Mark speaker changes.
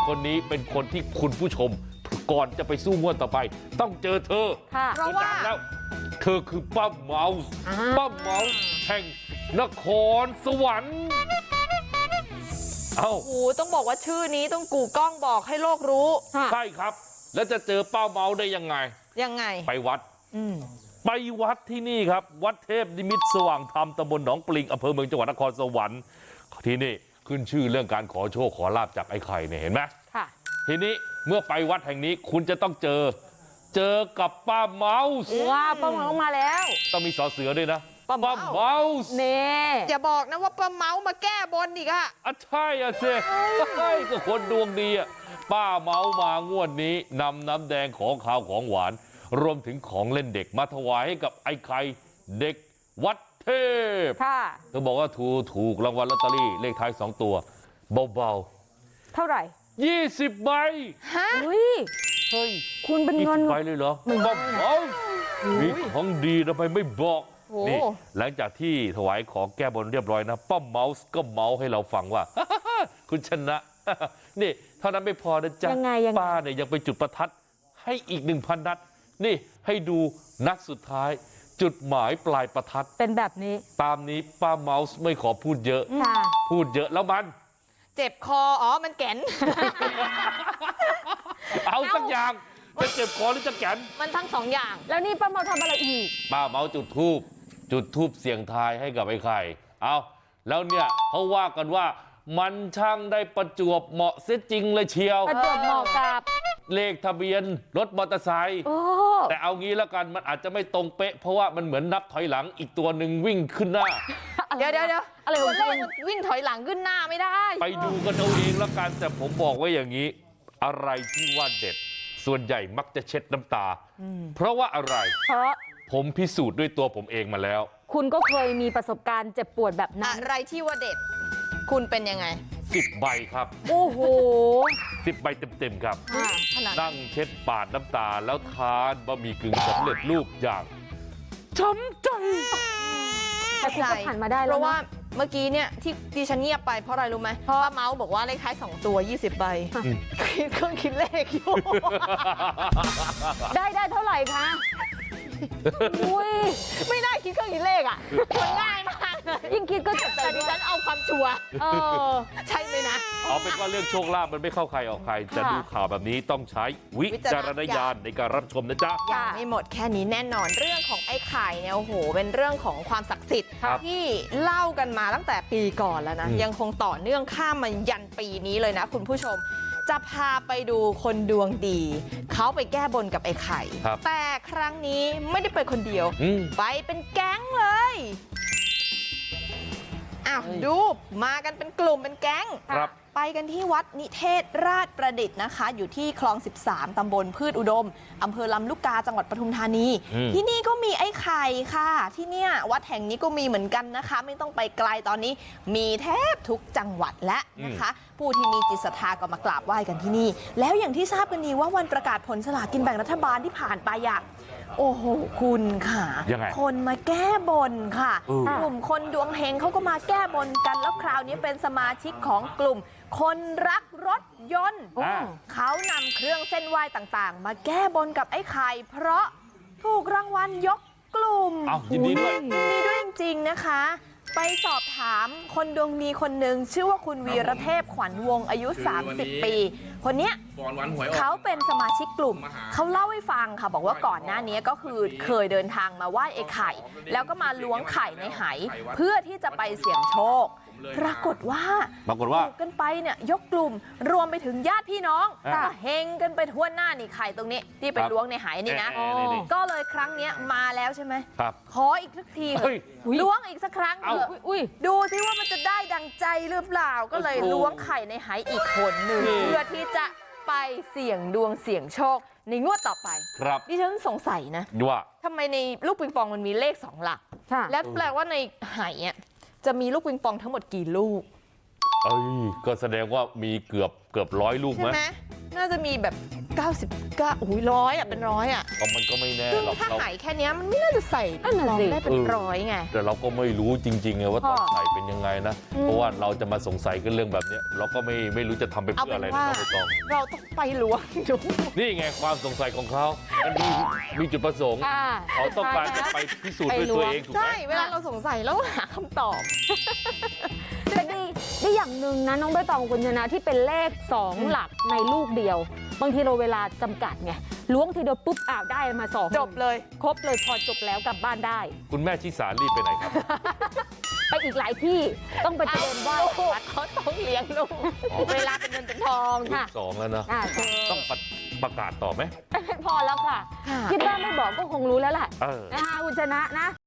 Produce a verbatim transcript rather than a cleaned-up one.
Speaker 1: คนนี้เป็นคนที่คุณผู้ชมก่อนจะไปสู้งวดต่อไปต้องเจอเธอเพราะว่าแล้วเธอคือป้าเมาส์ป้าเมาส์แห่งนครสวรรค์เอ้า
Speaker 2: โอ้ต้องบอกว่าชื่อนี้ต้องกูกล้องบอกให้โลกรู้
Speaker 1: ใช่ครับแล้วจะเจอป้าเมาส์ได้ยังไง
Speaker 2: ยังไง
Speaker 1: ไปวัดไปวัดที่นี่ครับวัดเทพนิมิตสว่างธรรมตำบลหนองปลิงอำเภอเมืองจังหวัดนครสวรรค์ที่นี่ขึ้นชื่อเรื่องการขอโชคขอลาบจากไอ้ไข่เนี่ยเห็นไหมค่ะทีนี้เมื่อไปวัดแห่งนี้คุณจะต้องเจอเจอกับป้าเมาส์
Speaker 3: ว้าป้าเมาส์มาแล้ว
Speaker 1: ต้องมีสอเสือด้วยนะป้าเมาส์
Speaker 2: เน่อย่าบอกนะว่าป้าเมาส์มาแก้บนอีกอะ
Speaker 1: อ่ะใช่อ่ะเซ่ก็คนดวงดีอ่ะป้าเมาส์มางวดนี้นำน้ำแดงของขาวของหวานรวมถึงของเล่นเด็กมาถวายให้กับไอ้ไข่เด็กวัดเทพค่ะเธอบอกว่าถูกถูกรางวัลลอตเตอรี่เลขท้ายสองตัวเบา
Speaker 3: ๆเท่าไหร่
Speaker 1: ยี่สิบใบ
Speaker 3: ฮะเฮ้ย
Speaker 1: เฮ้ย
Speaker 3: คุณเป็นเงิน
Speaker 1: ใบเลยเหรอบ้าเมามีของดีทำไมไม่บอกนี่หลังจากที่ถวายของแก้บนเรียบร้อยนะป้าเมาส์ก็เมาส์ให้เราฟังว่าคุณชนะนี่เท่านั้นไม่พอนะจ๊ะป้าเนี่ยยังไปจุดประทัดให้อีกหนึ่งพันนัดนี่ให้ดูนัดสุดท้ายจุดหมายปลายประทัด
Speaker 3: เป็นแบบนี้
Speaker 1: ตามนี้ป้าเมาส์ไม่ขอพูดเยอะพูดเยอะแล้วมัน
Speaker 2: เจ็บคออ๋อมันแก่น
Speaker 1: เอาสักอย่างจะเจ็บคอหรือจะแก่น
Speaker 2: มันทั้งสองอย่าง
Speaker 3: แล้วนี่ป้าเมาทำอะไรอีก
Speaker 1: ป้าเมาจุดธูปจุดธูปเสี่ยงทายให้กับไอ้ไข่เอาแล้วเนี่ยเขาว่ากันว่ามันช่างได้ประจวบเหมาะเสียจริงเลยเชียว
Speaker 3: ประจวบเหมาะกับ
Speaker 1: เลขทะเบียนรถมอเตอร์ไซค์แต่เอางี้แล้วกันมันอาจจะไม่ตรงเป๊ะเพราะว่ามันเหมือนนับถอยหลังอีกตัวหนึ่งวิ่งขึ้นหน้า
Speaker 2: เดี๋ยวเดี๋ยวเดี๋ยวอะไรของคุณวิ่งถอยหลังขึ้นหน้าไม่ได้
Speaker 1: ไปดูกันเอาเองแล้วกันแต่ผมบอกไว้อย่างนี้อะไรที่ว่าเด็ดส่วนใหญ่มักจะเช็ดน้ำตาเพราะว่าอะไร
Speaker 3: เพราะ
Speaker 1: ผมพิสูจน์ด้วยตัวผมเองมาแล้ว
Speaker 3: คุณก็เคยมีประสบการณ์เจ็บปวดแบบนั้น
Speaker 2: อะไรที่ว่าเด็ดคุณเป็นยังไง
Speaker 1: สิบใบครับ
Speaker 3: โอ้โห
Speaker 1: สิบใบเต็มๆครับนั่งเช็ดปาดน้ำตาแล้วทานบะหมี่กึ่งสำเร็จรูปอย่างช้ำใจ
Speaker 3: แต่คุณก็ผ่านมาได้แล้วเพ
Speaker 2: ราะว่าเมื่อกี้เนี่ยที่ดิฉันเงียบไปเพราะอะไรรู้ไหมเพราะว่าเมาส์บอกว่าเลขท้ายสองตัวยี่สิบใบคิดเครื่องคิดเลขอยู่
Speaker 3: ได้ได้เท่าไหร่คะอุ้ย
Speaker 2: ไม่ได้คิดเครื่องคิดเลขอ่ะมันง่ายมาก
Speaker 3: ยิ่งคิดก็เจ็บใจ
Speaker 2: แต่ดิฉันเอาความชัวร์ใช่ไหมนะ
Speaker 1: เอาเป็นว่าเรื่องโชคลาภมันไม่เข้าใครออกใครจะดูข่าวแบบนี้ต้องใช้วิจารณญาณในการรับชมนะจ๊ะ
Speaker 2: ยังไม่หมดแค่นี้แน่นอนเรื่องของไอ้ไข่เนี่ยโอ้โหเป็นเรื่องของความศักดิ์สิทธิ์ที่เล่ากันมาตั้งแต่ปีก่อนแล้วนะยังคงต่อเนื่องข้ามมายันปีนี้เลยนะคุณผู้ชมจะพาไปดูคนดวงดีเขาไปแก้บนกับไอ้ไข่แต่ครั้งนี้ไม่ได้ไปคนเดียวไปเป็นแก๊งเลยอ้าวดูมากันเป็นกลุ่มเป็นแก๊งไปกันที่วัดนิเทศราชประดิษฐ์นะคะอยู่ที่คลองสิบสามตำบลพืชอุดมอำเภอลำลูกกาจังหวัดปทุมธานีที่นี่ก็มีไอ้ไข่ค่ะที่เนี่ยวัดแห่งนี้ก็มีเหมือนกันนะคะไม่ต้องไปไกลตอนนี้มีแทบทุกจังหวัดและนะคะผู้ที่มีจิตศรัทธาก็มากราบไหว้กันที่นี่แล้วอย่างที่ทราบกันดีว่าวันประกาศผลสลากกินแบ่งรัฐบาลที่ผ่านไปอะโอ้โหคุณค่ะคนมาแก้บนค่ะกลุ่มคนดวงเฮงเขาก็มาแก้บนกันแล้วคราวนี้เป็นสมาชิกของกลุ่มคนรักรถยนต์เขานำเครื่องเส้นไหว้ต่างๆมาแก้บนกับไอ้ไข่เพราะถูกรางวัลยกกลุ่ม
Speaker 1: ยินดีด้วย
Speaker 2: ยินดีด้วยจริงๆนะคะไปสอบถามคนดวงดีคนหนึ่งชื่อว่าคุณวีรเทพขวัญวงศ์อายุสามสิบปีคนเนี้ยเขาเป็นสมาชิกกลุ่มเขาเล่าให้ฟังค่ะบอกว่าก่อนหน้านี้ก็คือเคยเดินทางมาไหว้ไอ้ไข่แล้วก็มาล้วงไข่ในไหเพื่อที่จะไปเสี่ยงโชคปรากฏว่า
Speaker 1: ปรากฏว่า
Speaker 2: กันไปเนี่ยยกกลุ่มรวมไปถึงญาติพี่น้องก็เฮงกันไปทั่วหน้านี่ไข่ตรงนี้ที่ไปล้วงในไหนี่นะก็เลยครั้งนี้มาแล้วใช่ไหมขออีกสักทีล้วงอีกสักครั้งเถอะดูซิว่ามันจะได้ดังใจหรือเปล่าก็เลยล้วงไข่ในไหอีกคนหนึ่งเพื่อที่จะไปเสี่ยงดวงเสี่ยงโชคในงวดต่อไปดิฉันสงสัยนะ
Speaker 1: ว่า
Speaker 2: ทำไมในลูกปิงปองมันมีเลขสองหลักแล้วแปลว่าในไหอ่ะจะมีลูกปิงปองทั้งหมดกี่ลูก
Speaker 1: เอ้ยก็แสดงว่ามีเกือบเกือบร้อยลูกไหมใช่ไหม
Speaker 2: น่าจะมีแบบเก้าสิบเก้าโอ้ยร้อยอ่ะเป็นร้อยอ่ะ
Speaker 1: ก็มันก็ไม่แน่
Speaker 2: ซึ่ง
Speaker 1: หรอก
Speaker 2: ถ้า
Speaker 1: เรา
Speaker 2: หายแค่เนี้ยมันไม่น่าจะใส่
Speaker 3: นั่นน่ะ
Speaker 2: ลอง
Speaker 3: สิ
Speaker 2: ได้เป็นร้อยไง
Speaker 1: แต่เราก็ไม่รู้จริงๆไงว่าตอน
Speaker 3: ค่ะ
Speaker 1: ใส่เป็นยังไงนะ
Speaker 3: อืม
Speaker 1: เพราะว่าเราจะมาสงสัยกันเรื่องแบบเนี้ยเราก็ไม่ไม่รู้จะทำไป
Speaker 2: เอา
Speaker 1: เพื่อ
Speaker 2: เป็
Speaker 1: อะไร
Speaker 2: น
Speaker 1: นะ
Speaker 2: ว่า
Speaker 1: น้องใบตอง
Speaker 2: เราต้องไปล้วงดู
Speaker 1: นี่ไงความสงสัยของเขามันมีมีจุดประสงค์
Speaker 3: ค่ะ
Speaker 1: เขาต้องการจะไปพิสูจน์ด้วยตัวเองถูกไหม
Speaker 2: ใช่เวลาเราสงสัยแล้วหาคำตอบ
Speaker 3: แต่ดีได้อย่างหนึ่งนะน้องใบตองคุณชนะที่เป็นเลขสองหลักในลูกเดียว บางทีเราเวลาจำกัดไงล้วงทีเดียวปุ๊บอ้าวได้มาสอง
Speaker 2: จบเลย
Speaker 3: ครบเลยพอจบแล้วกลับบ้านได้
Speaker 1: คุณแม่ชิสารีบไปไหนครับ
Speaker 3: ไปอีกหลายที่ต้องไปเตรียมไหว้
Speaker 2: ลูก
Speaker 3: วัด
Speaker 2: เขาต้องเลี้ยงลูก เวลาเป็นเงินเป็นทอง
Speaker 1: ลู
Speaker 2: ค่ะ
Speaker 1: กสองแล้วนะ
Speaker 3: อ่า
Speaker 1: ต้องประประกาศต่อไหม
Speaker 3: พอแล้วค่ะ
Speaker 2: ค่ะ
Speaker 3: คิดว่าไม่บอกก็คงรู้แล้วแหละ
Speaker 1: เออ
Speaker 3: นะคะคุณชนะนะ